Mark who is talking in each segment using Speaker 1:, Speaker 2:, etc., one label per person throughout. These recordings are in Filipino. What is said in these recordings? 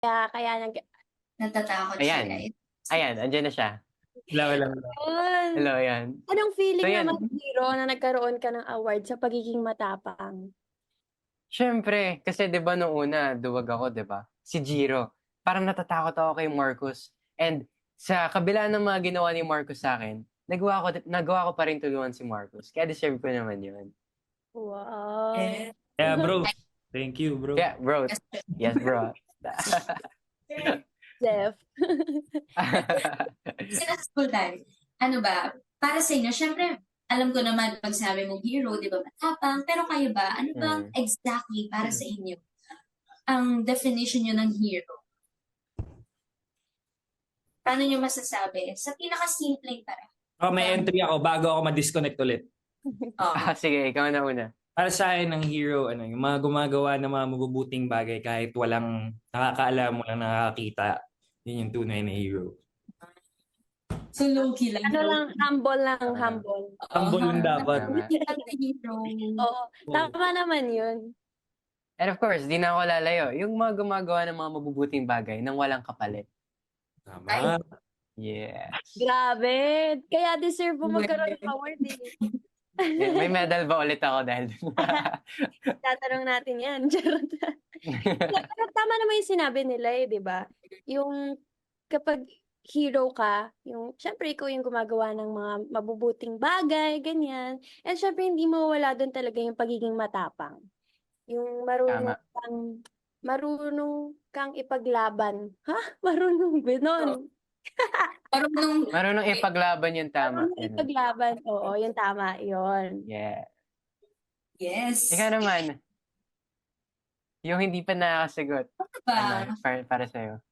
Speaker 1: Kaya
Speaker 2: Natatakot siya,
Speaker 3: Ayan.
Speaker 2: guys.
Speaker 3: Ayan, andyan na siya.
Speaker 4: Hello.
Speaker 1: yun.
Speaker 3: Hello, ayan.
Speaker 1: Anong feeling
Speaker 3: So, yan.
Speaker 1: naman, Zero, na nagkaroon ka ng award sa pagiging matapang?
Speaker 3: Siyempre, kasi 'di ba nung una, duwag ako, 'di ba? Si Jiro, parang natatakot ako kay Marcus. And sa kabila ng mga ginawa ni Marcus sa akin, nagawa ko pa rin tulungan si Marcus. Kaya deserve ko naman 'yun.
Speaker 1: Wow.
Speaker 2: Eh,
Speaker 4: Yeah, bro. Thank you, bro.
Speaker 3: Yeah, bro. Yes, bro.
Speaker 1: Jeff.
Speaker 2: Sa school tayo, ano ba, para sa inyo, syempre, alam ko naman pag sabi mong hero, di ba, matapang, pero kayo ba, ano bang exactly para sa inyo ang definition nyo ng hero? Paano nyo masasabi? Sa pinaka-simpleng para.
Speaker 4: May entry ako bago ako ma-disconnect ulit.
Speaker 3: Sige, ikaw na una.
Speaker 4: Para sa akin, ng hero, yung mga gumagawa ng mga mabubuting bagay kahit walang nakakaalam, walang nakakita. Yun yung tunay na hero.
Speaker 2: So, low-key lang.
Speaker 1: Humble lang, humble.
Speaker 4: Humble lang dapat.
Speaker 2: Hero.
Speaker 1: Oo, tama naman yun.
Speaker 3: And of course, di na ako lalayo. Yung mga gumagawa ng mga mabubuting bagay nang walang kapalit.
Speaker 4: Tama.
Speaker 3: Yes.
Speaker 1: Grabe. Kaya deserve mo magkaroon ng award eh.
Speaker 3: May medal ba ulit ako dahil
Speaker 1: Tatanong natin yan. Charot. Pero tama naman yung sinabi nila eh, di ba? Yung kapag hero ka, yung syempre ikaw yung gumagawa ng mga mabubuting bagay, ganyan. And syempre hindi mo wala doon talaga yung pagiging matapang. Yung marunong kang ipaglaban. Ha? Marunong ganon.
Speaker 3: Marunong ipaglaban yung tama.
Speaker 1: Marunong ipaglaban. Oo, yung tama. Yun.
Speaker 3: Yeah.
Speaker 2: Yes.
Speaker 3: Ikaw naman. Yung hindi pa nakakasagot.
Speaker 2: Ba?
Speaker 3: Para sa'yo.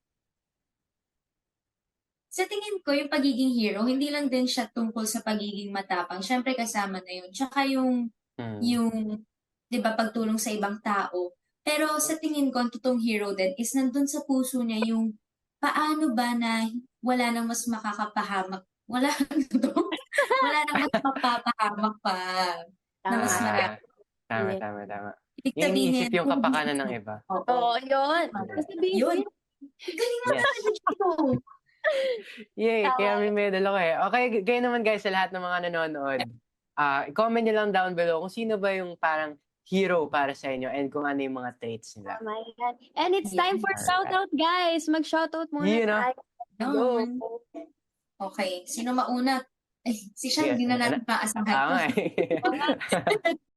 Speaker 2: Sa tingin ko, yung pagiging hero, hindi lang din siya tungkol sa pagiging matapang. Siyempre, kasama na yun. Tsaka yung di ba, pagtulong sa ibang tao. Pero sa tingin ko, ang totoong hero din is nandun sa puso niya yung paano ba na wala nang mas makakapahamak. Wala nang mas mapapahamak pa. Na mas marami.
Speaker 3: Tama.
Speaker 2: Ibig
Speaker 3: Yung
Speaker 2: sabihin,
Speaker 3: iniisip yung kapakanan ng iba.
Speaker 1: Oo, yun. Sabihin ko
Speaker 2: Yun.
Speaker 1: yun.
Speaker 2: Galing mo sa ito.
Speaker 3: Yay, kaya may medal ako eh. Okay, kayo naman guys sa lahat ng mga nanonood. I-comment nyo lang down below kung sino ba yung parang hero para sa inyo and kung ano yung mga traits nila.
Speaker 1: Oh my God. And it's time for shoutout, guys. Mag-shoutout muna tayo.
Speaker 2: Yun. Okay, sino mauna? Si Sean, hindi na natin maasahan.